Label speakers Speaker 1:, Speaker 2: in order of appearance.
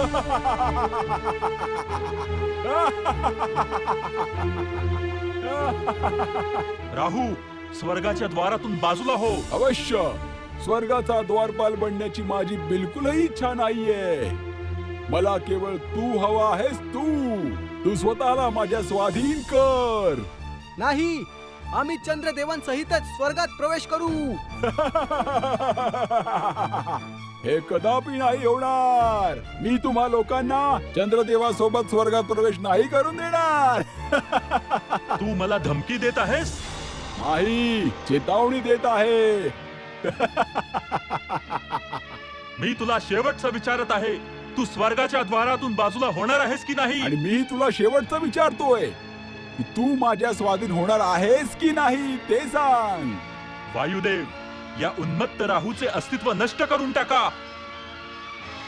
Speaker 1: राहू, स्वर्गाच्या द्वारातून बाजूला हो.
Speaker 2: अवश्य. स्वर्गाचा द्वारपाल बनण्याची माझी बिलकुलही इच्छा नाहीये. मला केवळ तू हवा आहेस. तू स्वतःला माझ्या स्वाधीन कर.
Speaker 3: नाही, आम्ही चंद्रदेवांसहितच स्वर्गात प्रवेश करू.
Speaker 2: हे कदापि नाही होणार. मी तुम्हा लोकांना चंद्रदेवासोबत स्वर्गात प्रवेश नाही करून देणार.
Speaker 1: तू मला धमकी देत आहेस?
Speaker 2: नाही, चेतावणी देत आहे.
Speaker 1: मी तुला शेवटचं विचारत आहे, तू स्वर्गाच्या द्वारातून बाजूला होणार आहेस की नाही?
Speaker 2: आणि मी तुला शेवटचं विचारतोय की तू माझ्या स्वाधीन होणार आहेस की नाही ते सांग.
Speaker 1: वायुदेव, या उन्मत्त राहूचे अस्तित्व नष्ट करून टाका.